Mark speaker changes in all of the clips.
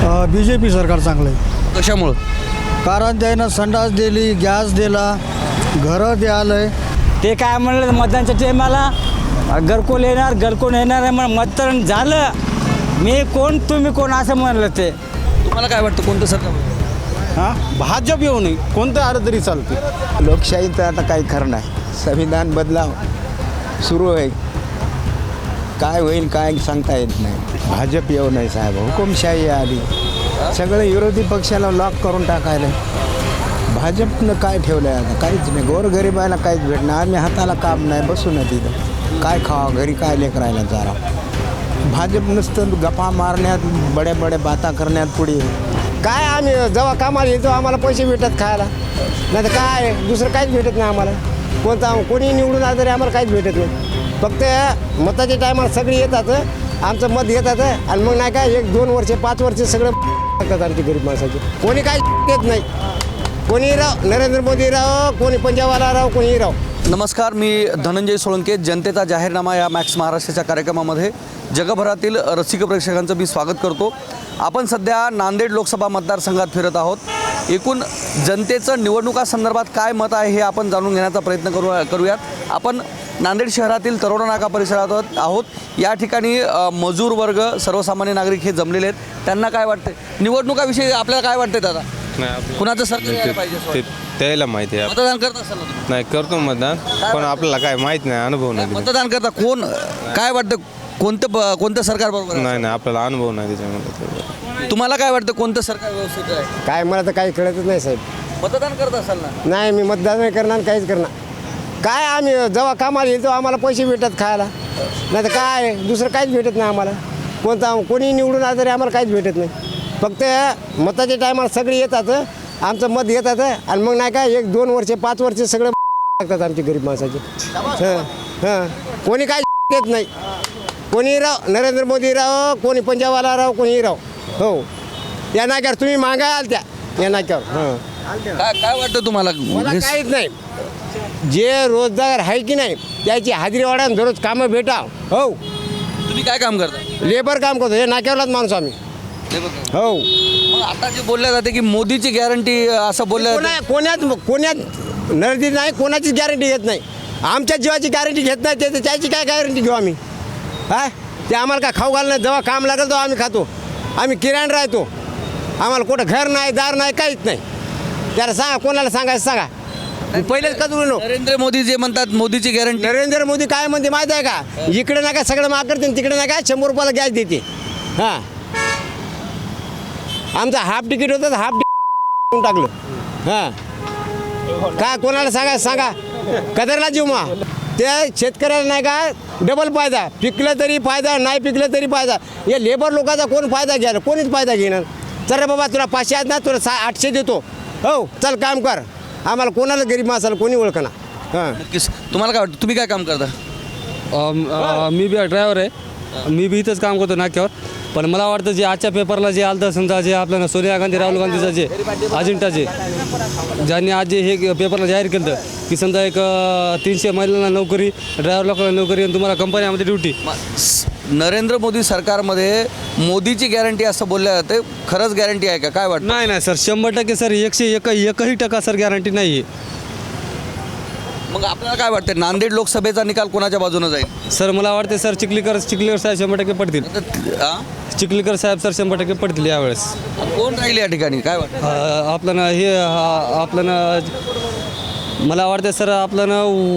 Speaker 1: BJP सरकार चांगलं आहे.
Speaker 2: कशामुळं?
Speaker 1: कारण त्यानं संडास दिली, गॅस दिला, घरं द्यालंय.
Speaker 3: ते काय म्हणलं मतदानच्या टायमाला घरकुल येणार आहे म्हणून मतदान झालं. मी कोण तुम्ही कोण असं म्हणलं. ते
Speaker 2: तुम्हाला काय वाटतं कोणतं सरकार?
Speaker 4: हां, भाजप येऊ नये, कोणतं आलं तरी चालते.
Speaker 5: लोकशाहीचं आता काही खरं नाही. संविधान बदलाव सुरू आहे, काय होईल काय सांगता येत नाही. भाजप येऊ नये साहेब, हुकुमशाही आली. सगळे विरोधी पक्षाला लॉक करून टाकायला. भाजपनं काय ठेवलं आहे आता? काहीच नाही. गोरगरिबाला काहीच भेटणार. आम्ही हाताला काम नाही, बसू ना तिथं. काय खावा, घरी काय लेकरायला चारा. भाजप नुसतं गप्पा मारण्यात, बड्या बड्या बाता करण्यात पुढे. काय आम्ही जेव्हा कामाला येतो आम्हाला पैसे भेटत खायला, नाही तर काय दुसरं काहीच भेटत नाही आम्हाला. कोणी निवडून आलं तरी आम्हाला काहीच भेटत नाही. फक्त मताच्या टायमाला सगळी येतात, आमचं मत घेतात आणि मग नाही काय 1-2 वर्ष 5 वर्ष सगळं टाकतात आमची गरीब माणसाची. कोणी काय येत नाही. कोणी राव, नरेंद्र मोदी राव, कोणी पंजाबवाला राव, कोणी राव.
Speaker 2: नमस्कार, मी धनंजय सोळंके. जनतेचा जाहीरनामा या मॅक्स महाराष्ट्राच्या कार्यक्रमामध्ये जगभरातील रसिक प्रेक्षकांचं मी स्वागत करतो. आपण सध्या नांदेड लोकसभा मतदारसंघात फिरत आहोत. एकूण जनतेचं निवडणुकासंदर्भात काय मत आहे हे आपण जाणून घेण्याचा प्रयत्न करूयात. आपण नांदेड शहरातील तरोडा नाका परिसरात आहोत. या ठिकाणी मजूर वर्ग, सर्वसामान्य नागरिक हे जमलेले आहेत. त्यांना काय वाटते निवडणुकाविषयी? आपल्याला काय वाटते दादा? कुणाचं सरकार यायला पाहिजे?
Speaker 6: त्याला माहिती आहे.
Speaker 2: मतदान करत असाल ना तुम्ही?
Speaker 6: नाही, करतो मतदान, पण आपल्याला काय माहित नाही, अनुभव नाही.
Speaker 2: मतदान करता कोण काय वाटतं कोणतं सरकार बरोबर आहे?
Speaker 6: नाही, आपल्याला अनुभव नाही त्याच्यामध्ये.
Speaker 2: तुम्हाला काय वाटतं कोणतं सरकार व्यवस्थित आहे?
Speaker 5: काय मला तर काही कळतच नाही साहेब.
Speaker 2: मतदान करत असाल ना?
Speaker 5: नाही, मी मतदान नाही करणार, काहीच करणार. काय आम्ही जेव्हा कामाला येतो आम्हाला पैसे भेटत खायला, नाही तर काय दुसरं काहीच भेटत नाही आम्हाला. कोणी निवडून आलं तरी आम्हाला काहीच भेटत नाही. फक्त मताच्या टायमाला सगळी येतात, आमचं मत घेतात आणि मग नाही काय 1-2 वर्ष 5 वर्ष सगळं टाकतात आमची गरीब माणसाची. हां, कोणी काय येत नाही. कोणी राव, नरेंद्र मोदी राव, कोणी पंजाबवाला राव, कोणी राव. हो, या नाक्यावर तुम्ही मागाल त्या या नाक्यावर. हां,
Speaker 2: काय वाटतं तुम्हाला?
Speaker 5: मला काहीच नाही. जे रोजगार आहे की नाही त्याची हाजरी वाढा, दररोज कामं भेटा. हो,
Speaker 2: तुम्ही काय काम करता?
Speaker 5: लेबर काम करतो. हे नाक्यावरलाच माणूस आम्ही. हो,
Speaker 2: मग आता जे बोलल्या जाते की मोदीची गॅरंटी असं बोलल्या
Speaker 5: कोण्यात नर्दी नाही, कोणाचीच गॅरंटी घेत नाही. आमच्या जीवाची गॅरंटी घेत नाही, त्याची काय गॅरंटी घेऊ आम्ही? हा, ते आम्हाला काय खाऊ घाल नाही. जेव्हा काम लागेल तेव्हा आम्ही खातो. आम्ही किराणा राहतो. आम्हाला कुठं घर नाही, दार नाही, काहीच नाही. त्याला सांगा, कोणाला सांगायचं सांगा. पहिलेच कधू नो.
Speaker 2: नरेंद्र मोदी जे म्हणतात मोदीची गॅरंटी.
Speaker 5: नरेंद्र मोदी काय म्हणते माहिती आहे का? इकडे नाही काय सगळं माग करते, तिकडे नाही काय 100 रुपयाला गॅस देते. हां, आमचं हाफ तिकीट होतं, हाफ तिकीट टाकलं. हां, काय कोणाला सांगायचं सांगा. कदरला जीव मा ते शेतकऱ्याला नाही का डबल फायदा. पिकलं तरी फायदा, नाही पिकलं तरी फायदा. या लेबर लोकांचा कोण फायदा घ्यायला? कोणीच फायदा घेणार. चल बाबा, तुला 500 आहेत ना, तुला 800 देतो. हो, चल काम कर. आम्हाला कोणाला गरीब माणसाला कोणी ओळखना. हां,
Speaker 2: तुम्हाला काय वाटतं? तुम्ही काय काम करता?
Speaker 7: मी बी ड्रायव्हर आहे. मी बी इथंच काम करतो नाक्यावर. पण मला वाटतं जे आजच्या पेपरला जे आलं तर समजा जे आपल्याला सोनिया गांधी राहुल गांधीचं जे अजेंडाचे ज्यांनी आज जे हे पेपरला जाहीर केलं होतं की समजा एक 300 महिलांना नोकरी, ड्रायव्हर लोकांना नोकरी आणि तुम्हाला कंपन्यामध्ये ड्युटी.
Speaker 2: नरेंद्र मोदी सरकारमध्ये मोदीची गॅरंटी असं बोलल्या जाते. खरंच गॅरंटी आहे का? काय वाटतं?
Speaker 7: नाही सर, 100% सर 101% सर गॅरंटी नाही आहे.
Speaker 2: मग आपल्याला काय वाटतं नांदेड लोकसभेचा निकाल कोणाच्या बाजूने जाईल?
Speaker 7: सर मला वाटते सर चिखलीकर साहेब 100% पडतील. चिखलीकर साहेब सर 100% पडतील यावेळेस.
Speaker 2: कोण राहील या ठिकाणी? काय वाटतं
Speaker 7: आपल्याला हे आपल्याला मला वाटतं सर आपल्याला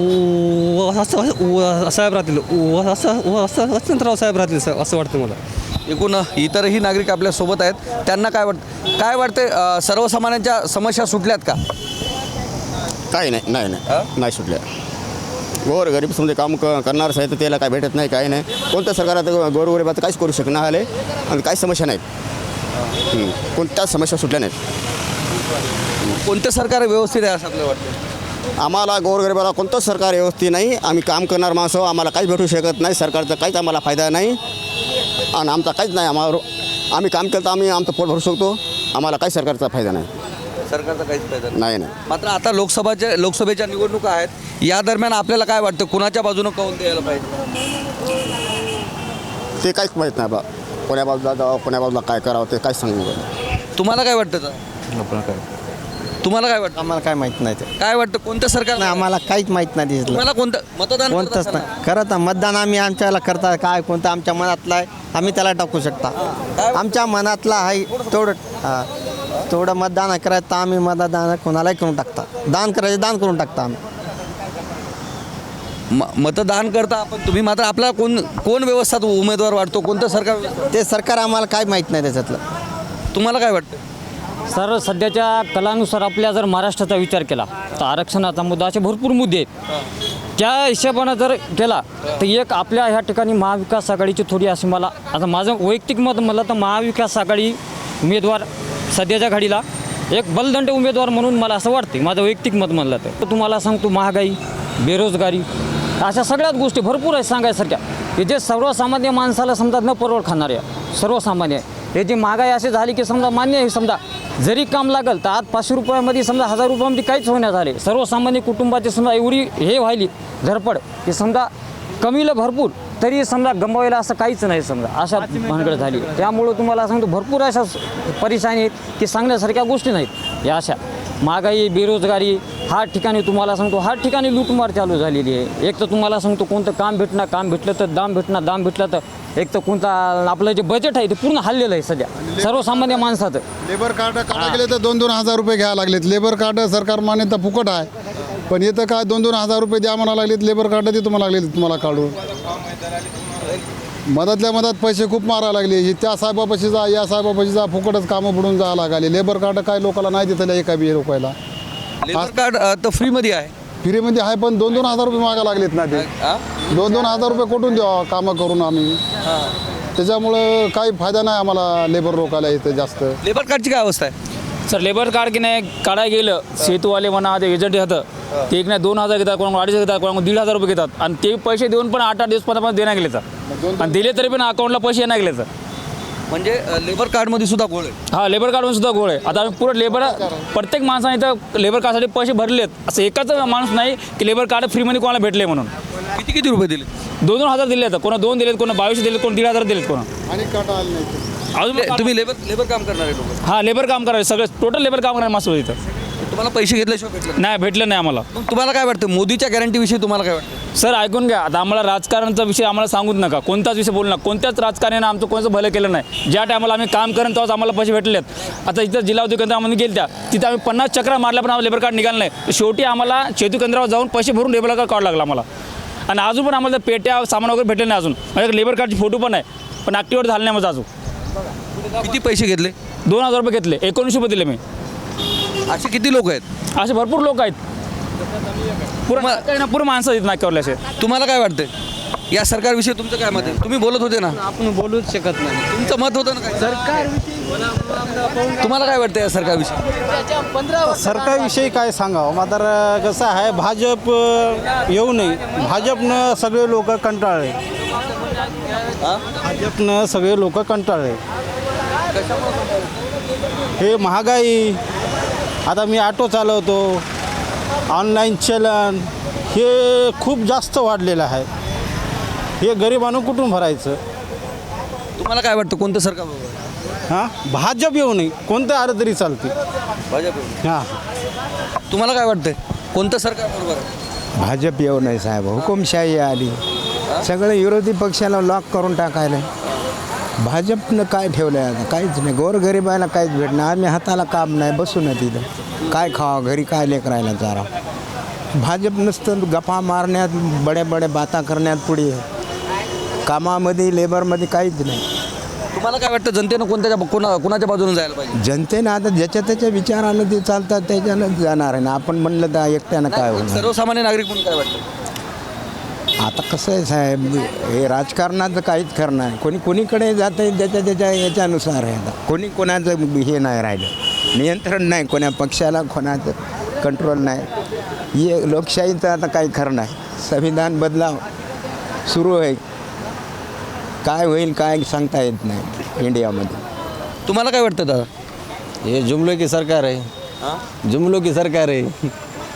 Speaker 7: साहेब राहतील, वसंतराव साहेब राहतील सर असं वाटतं मला.
Speaker 2: एकूण इतरही नागरिक आपल्यासोबत आहेत. त्यांना काय वाटते सर्वसामान्यांच्या समस्या सुटल्यात का?
Speaker 8: काही नाही सुटल्या. गोरगरीब समजा काम करणारच आहे तर त्याला काय भेटत नाही, काही नाही. कोणत्या सरकारात गोरगरिबाचं काहीच करू शकणार आले आणि काही समस्या नाहीत. कोणत्याच समस्या सुटल्या नाहीत.
Speaker 2: कोणतं सरकार व्यवस्थित आहे असं आपल्याला वाटतं?
Speaker 8: आम्हाला गोरगरिबाला कोणतंच सरकार व्यवस्थित नाही. आम्ही काम करणार माणसं, आम्हाला काहीच भेटू शकत नाही. सरकारचा काहीच आम्हाला फायदा नाही आणि आमचा काहीच नाही. आम्ही काम केलं तर आम्ही आमचं पोट भरू शकतो. आम्हाला काही सरकारचा फायदा नाही.
Speaker 2: सरकारचा काहीच फायदा
Speaker 8: नाही.
Speaker 2: मात्र आता लोकसभेच्या निवडणुका आहेत. या दरम्यान आपल्याला काय वाटतं कुणाच्या बाजूनं कौल द्यायला पाहिजे?
Speaker 8: ते काहीच माहीत नाही बा. कोण्या बाजूला जावं कोण्या बाजूला काय करावं ते काय सांगू
Speaker 2: तुम्हाला काय वाटतं तर? तुम्हाला काय वाटतं?
Speaker 5: आम्हाला काय माहीत नाही ते
Speaker 2: काय वाटतं कोणतं सरकार
Speaker 5: नाही, आम्हाला काहीच माहीत नाही दिसलं
Speaker 2: तुम्हाला कोणतं मतदान
Speaker 5: कोणतंच
Speaker 2: करत असताना?
Speaker 5: नाही करत मतदान आम्ही आमच्याला करता काय कोणतं आमच्या मनातलं आहे आम्ही त्याला टाकू शकता आमच्या मनातला आहे तेवढं मतदान करायचं तर आम्ही मतदान कोणालाही करून टाकता दान करायचं दान करून टाकता आम्ही
Speaker 2: मतदान करता आपण तुम्ही मात्र आपला कोण व्यवस्थात उमेदवार वाटतो कोणतं सरकार
Speaker 5: ते सरकार आम्हाला काय माहीत नाही त्याच्यातलं
Speaker 2: तुम्हाला काय वाटतं?
Speaker 3: सर सध्याच्या कलानुसार आपल्या जर महाराष्ट्राचा विचार केला तर आरक्षणाचा मुद्दा असे भरपूर मुद्दे आहेत त्या हिशोबानं जर केला तर एक आपल्या ह्या ठिकाणी महाविकास आघाडीची थोडी अशी मला आता माझं वैयक्तिक मत म्हणलं तर महाविकास आघाडी उमेदवार सध्याच्या घडीला एक बलदंड उमेदवार म्हणून मला असं वाटते माझं वैयक्तिक मत म्हणलं तर तुम्हाला सांगतो महागाई बेरोजगारी अशा सगळ्याच गोष्टी भरपूर आहेत सांगायसारख्या की जे सर्वसामान्य माणसाला समजा न परवड खाणारे सर्वसामान्य हे जी महागाई अशी झाली की समजा मान्य आहे समजा जरी काम लागल तर आज 500 रुपयामध्ये समजा 1000 रुपयामध्ये काहीच होण्यात आले सर्वसामान्य कुटुंबाची समजा एवढी हे व्हायली धडपड की समजा कमीला भरपूर तरी समजा गमवायला असं काहीच नाही समजा अशा भानगड झाली त्यामुळं तुम्हाला सांगतो भरपूर अशा परेशानी आहेत की सांगण्यासारख्या गोष्टी नाहीत या अशा महागाई बेरोजगारी हा ठिकाणी तुम्हाला सांगतो हा ठिकाणी लूटमार चालू झालेली आहे एक तर तुम्हाला सांगतो कोणतं काम भेटलं तर दाम भेटलं तर एक तर कोणता आपलं जे बजेट आहे ते पूर्ण हल्लेलं आहे सध्या सर्वसामान्य माणसाचं
Speaker 1: लेबर कार्ड काढा गेले तर 2-2 हजार रुपये घ्यायला लागलेत लेबर कार्ड सरकार मान्यता फुकट आहे पण इथं काय 2-2 हजार रुपये द्या म्हणा लागलेत लेबर कार्ड ते तुम्हाला लागले तुम्हाला काढून मधातल्या मधात पैसे खूप मारा लागले त्या साहेबापाशी जा या साहेबापाशी जा फुकटच कामं बुडून जावं लागले लेबर कार्ड काय लोकांना नाही देतं एका बी लोकायला
Speaker 2: लेबर कार्ड तर फ्रीमध्ये आहे
Speaker 1: फ्रीमध्ये आहे पण 2-2 हजार रुपये मागा लागलेत ना ते 2-2 हजार रुपये कुठून द्यावं कामं करून आम्ही त्याच्यामुळं काही फायदा नाही आम्हाला लेबर लोकाला इथं जास्त
Speaker 2: लेबर कार्डची काय अवस्था आहे
Speaker 9: सर लेबर कार्ड की नाही काढायला गेलं सेतूवाले म्हणा ते एजंट होतं ते एक नाही 2000 घेतात कोणा 2500 घेतात कोणा 1500 रुपये घेतात आणि ते पैसे देऊन पण 8-8 दिवस 15 देण्या गेले सर आणि दिले तरी पण अकाउंटला पैसे येण्या गेले सर
Speaker 2: म्हणजे लेबर कार्डमध्ये सुद्धा गोळ आहे
Speaker 9: हा लेबर कार्डमध्ये सुद्धा गोळ आहे आता आम्ही पुरं लेबर प्रत्येक माणसाने इथं लेबर कार्डसाठी पैसे भरलेत असं एकाच माणूस नाही की लेबर कार्ड फ्रीमध्ये कोणाला भेटले म्हणून
Speaker 2: किती रुपये दिले
Speaker 9: 2-2 हजार दिले आहेत कोणा 2 दिलेत कोणा 2200 दिलेत कोणा 1500 दिलेत कोणा
Speaker 1: आणि काटा आलं नाही
Speaker 9: अजून
Speaker 2: तुम्ही लेबर काम करणारे लोक
Speaker 9: हा लेबर काम करायचं सगळं टोटल लेबर काम करायला माणसं इथं
Speaker 2: तुम्हाला पैसे घेतल्याशिवाय भेटलं
Speaker 9: नाही भेटलं नाही आम्हाला
Speaker 2: मग तुम्हाला काय वाटतं मोदीच्या गॅरंटीविषयी तुम्हाला काय वाटतं
Speaker 9: सर ऐकून घ्या आता आम्हाला राजकारणाचा विषय आम्हाला सांगूच नका कोणताच विषय बोलू नका कोणत्याच राजकारण्यानं आमचं कोणतं भलं केलं नाही ज्या टायमाला आम्ही काम करेन तेव्हाच आम्हाला पैसे भेटलेत आता इथं जिल्हा उद्योग केंद्रामध्ये गेल त्या तिथं आम्ही 50 चक्रा मारल्या पण आम्हाला लेबर कार्ड निघालं नाही शेवटी आम्हाला शेतू केंद्रावर जाऊन पैसे भरून लेबर कार्ड काढावं लागला आम्हाला आणि अजून पण आम्हाला पेट्या सामान वगैरे भेटले नाही अजून माझ्याकडे लेबर कार्डची फोटो पण आहे पण ॲक्टिवेट झालं नाही माझं अजून
Speaker 2: किती पैसे घेतले
Speaker 9: 2000 रुपये घेतले 19 रुपये दिले मी
Speaker 2: असे किती लोक आहेत
Speaker 9: असे भरपूर लोक आहेत पूर्ण माणसं आहेत नाक्यावरले असे
Speaker 2: तुम्हाला काय वाटतं या सरकारविषयी तुमचं काय मत आहे तुम्ही बोलत होते ना
Speaker 3: आपण बोलूच शकत नाही
Speaker 2: तुमचं मत होतं ना काय तुम्हाला काय वाटतं या सरकारविषयी
Speaker 4: सरकारविषयी काय सांगावं मात्र कसं आहे भाजप येऊ नये भाजपनं सगळे लोक कंटाळले भाजपनं सगळे लोक कंटाळले हे महागाई आता मी ऑटो चालवतो ऑनलाईन चलन हे खूप जास्त वाढलेलं आहे हे गरिबांना कुठून भरायचं
Speaker 2: तुम्हाला काय वाटतं कोणतं सरकार बरोबर आहे?
Speaker 4: हां भाजप येऊ नये कोणतं आलं तरी चालते
Speaker 2: भाजप
Speaker 4: हां
Speaker 2: तुम्हाला काय वाटतं कोणतं सरकार बरोबर आहे?
Speaker 5: भाजप येऊ नाही साहेब हुकुमशाही आली सगळं विरोधी पक्षाला लॉक करून टाकायला भाजपनं काय ठेवलं आहे आता काहीच नाही गोरगरिबाला काहीच भेटणार आम्ही हाताला काम नाही बसू ना तिथं काय खावा घरी काय लेकरायला चारा भाजप नसतं गप्पा मारण्यात बड्या बाता करण्यात पुढे कामामध्ये लेबरमध्ये काहीच नाही
Speaker 2: तुम्हाला काय वाटतं जनतेनं कोणाच्या बाजूने जायला पाहिजे
Speaker 5: जनतेनं आता ज्याच्या त्याच्या विचारानं ते चालतात त्याच्यानं जाणार आहे ना आपण म्हणलं तर एकट्यानं काय होणार
Speaker 2: सर्वसामान्य नागरिक म्हणून काय वाटतं
Speaker 5: आता कसं आहे साहेब हे राजकारणाचं काहीच खरं नाही कोणीकडे जातं आहे त्याच्या याच्यानुसार आहे आता कोणाचं हे नाही राहिलं नियंत्रण नाही कोण्या पक्षाला कोणाचं कंट्रोल नाही हे लोकशाहीचं आता काही खरं नाही संविधान बदलाव सुरू आहे काय होईल काय सांगता येत नाही इंडियामध्ये
Speaker 2: तुम्हाला काय वाटतं दादा
Speaker 3: हे जुमलो की सरकार आहे जुमलो की सरकार आहे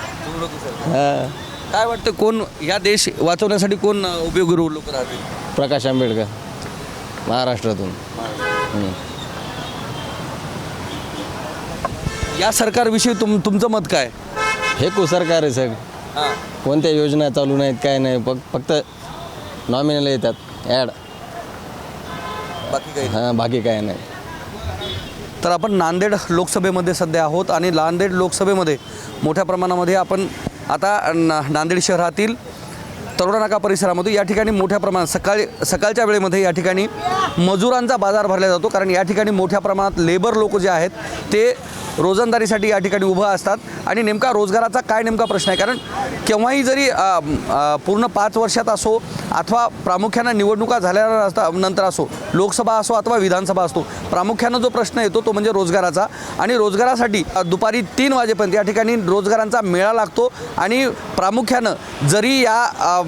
Speaker 2: काय वाटतं कोण या देश वाचवण्यासाठी कोण उपयोगी लोक राहतील
Speaker 3: प्रकाश आंबेडकर
Speaker 10: महाराष्ट्रातून.
Speaker 2: या सरकारविषयी तुमचं मत काय?
Speaker 10: हे सरकार आहे सग. कोणत्या योजना चालू नाहीत काय नाही, फक्त नॉमिनल येतात ॲड,
Speaker 2: बाकी काही
Speaker 10: हां बाकी काय नाही.
Speaker 2: तर आपण नांदेड लोकसभेमध्ये सध्या आहोत आणि नांदेड लोकसभेमध्ये मोठ्या प्रमाणामध्ये आपण आता नांदेड शहरातील तरोडा नाका परिसरामध्ये या ठिकाणी मोठ्या प्रमाणात सकाळच्या वेळेमध्ये या ठिकाणी मजुरांचा बाजार भरला जातो, कारण या ठिकाणी मोठ्या प्रमाणात लेबर लोक जे आहेत ते रोजंदारीसाठी या ठिकाणी उभं असतात आणि नेमका रोजगाराचा काय नेमका प्रश्न आहे. कारण केव्हाही जरी पूर्ण 5 वर्षात असो अथवा प्रामुख्यानं निवडणुका झाल्यानंतर असो, लोकसभा असो अथवा विधानसभा असतो, प्रामुख्यानं जो प्रश्न येतो तो म्हणजे रोजगाराचा. आणि रोजगारासाठी दुपारी 3 वाजेपर्यंत या ठिकाणी रोजगारांचा मेळा लागतो आणि प्रामुख्यानं जरी या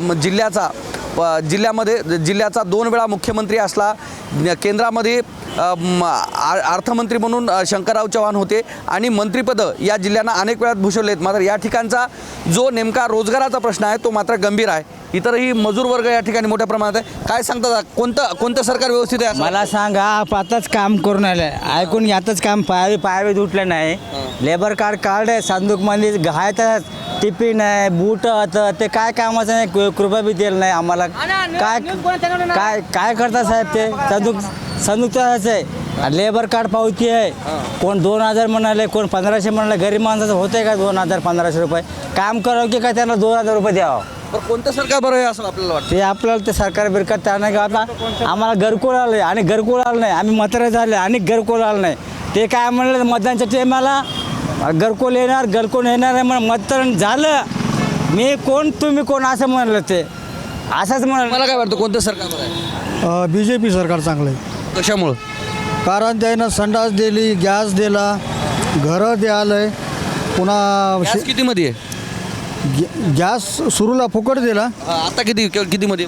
Speaker 2: जिल्ह्याचा 2 वेळा मुख्यमंत्री असला, केंद्रामध्ये अर्थमंत्री म्हणून शंकरराव चव्हाण होते आणि मंत्रिपदं या जिल्ह्यांना अनेक वेळात भूषवलेत, मात्र या ठिकाणचा जो नेमका रोजगाराचा प्रश्न आहे तो मात्र गंभीर आहे. इतरही मजूर वर्ग या ठिकाणी मोठ्या प्रमाणात आहे. काय सांगतात, कोणतं सरकार व्यवस्थित आहे?
Speaker 11: मला सांगा, आताच काम करून आलं, ऐकून यातच काम पायावे उठलं नाही. लेबर कार्ड काढलं, संदूकमध्ये घायचं टिफिन आहे, बूट होतं, ते काय कामाचं नाही, कृपया बी दिलं नाही आम्हाला. काय काय करता साहेब, ते संदूकचं आहे, लेबर कार्ड पावती आहे. कोण 2000 म्हणाले, कोण 1500 म्हणाले. गरीब माणसाचं होतंय का 2000-1500 रुपये? काम करावं की काय त्यांना 2000 रुपये द्यावं?
Speaker 2: कोणतं सरकार बरं आहे असं आपल्याला वाटतं?
Speaker 11: ते आपल्याला ते सरकार बिरकार त्या नाही का. आता आम्हाला घरकुल आलं आहे आणि घरकुल आलं नाही, आम्ही म्हातारे झाले आणि घरकुल आलं नाही. ते काय म्हणलं मतदानच्या टायमाला घरकुल येणार आहे म्हणून मतदान झालं. मी कोण तुम्ही कोण असं म्हणलं, ते असंच म्हणलं.
Speaker 2: मला काय वाटतं कोणतं सरकार बरं आहे?
Speaker 12: BJP सरकार चांगलं आहे.
Speaker 2: कशामुळं?
Speaker 12: कारण त्यानं संडास दिली, गॅस दिला, घरं द्यायला, पुन्हा
Speaker 2: कितीमध्ये आहे?
Speaker 12: गॅस सुरूला फुकट दिला.
Speaker 2: आता कितीमध्ये?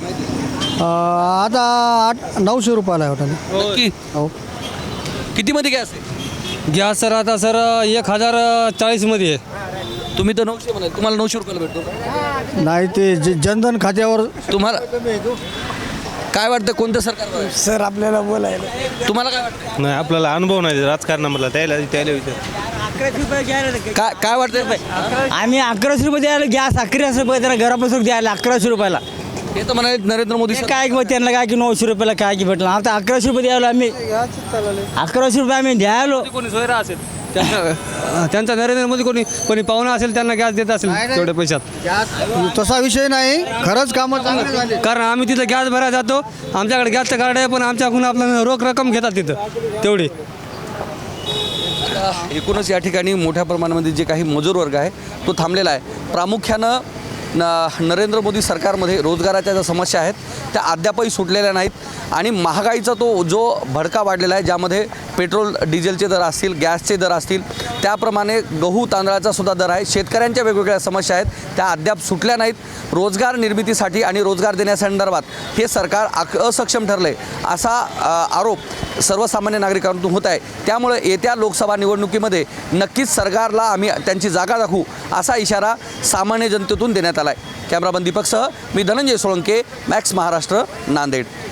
Speaker 12: आता 900 रुपयाला आहे हॉटेल.
Speaker 2: नक्की?
Speaker 12: हो.
Speaker 2: कितीमध्ये गॅस आहे?
Speaker 7: गॅस सर आता सर 1040मध्ये आहे.
Speaker 2: तुम्ही तर 900 म्हणाल, तुम्हाला 900 रुपयाला भेटतो?
Speaker 12: नाही, ते जनधन खात्यावर.
Speaker 2: तुम्हाला काय वाटतं कोणतं सरकार बरं आहे?
Speaker 12: सर आपल्याला बोलायला
Speaker 2: तुम्हाला काय वाटतं?
Speaker 6: नाही, आपल्याला अनुभव नाही राजकारणामधला, त्याला विचार.
Speaker 2: काय वाटतं?
Speaker 11: आम्ही 1100 रुपये द्यायला, गॅस 1100 रुपये त्यांना घरापासून द्यायला 1100 रुपयाला.
Speaker 2: हे तर म्हणाले नरेंद्र मोदी
Speaker 11: काय मग त्यांना काय की 900 रुपयाला काय की भेटलं. आता 1100 रुपये द्यायला, आम्ही 1100 रुपये आम्ही द्यायलो.
Speaker 7: कोणी सोयरा असेल त्यांचा नरेंद्र मोदी कोणी पाहुणा असेल त्यांना गॅस देत असेल तेवढ्या पैशात.
Speaker 12: तसा विषय नाही, खरंच कामं चांगली झाली.
Speaker 7: कारण आम्ही तिथं गॅस भरायला जातो, आमच्याकडे गॅसचं कार्ड आहे, पण आमच्याकडून आपल्याला रोख रक्कम घेतात तिथं तेवढी.
Speaker 2: एकूणच या ठिकाणी मोठ्या प्रमाणामध्ये जे काही मजूर वर्ग आहे तो थांबलेला आहे. प्रामुख्यानं नरेंद्र मोदी सरकारमध्ये रोजगाराच्या ज्या समस्या आहेत त्या अद्यापही सुटलेल्या नाहीत आणि महागाईचा तो जो भडका वाढलेला आहे, ज्यामध्ये पेट्रोल डिझेलचे दर असतील, गॅसचे दर असतील, त्याप्रमाणे गहू तांदळाचा सुद्धा दर आहे. शेतकऱ्यांच्या वेगवेगळ्या समस्या आहेत त्या अद्याप सुटल्या नाहीत. रोजगार निर्मितीसाठी आणि रोजगार देण्यासंदर्भात हे सरकार असक्षम ठरलं आहे असा आरोप सर्वसामान्य नागरिकांतून होत आहे. त्यामुळे येत्या लोकसभा निवडणुकीमध्ये नक्कीच सरकारला आम्ही त्यांची जागा दाखवू असा इशारा सामान्य जनतेतून देण्यात आला आहे. कॅमेरामन दीपकसह मी धनंजय सोळंके, मॅक्स महाराष्ट्र, नांदेड.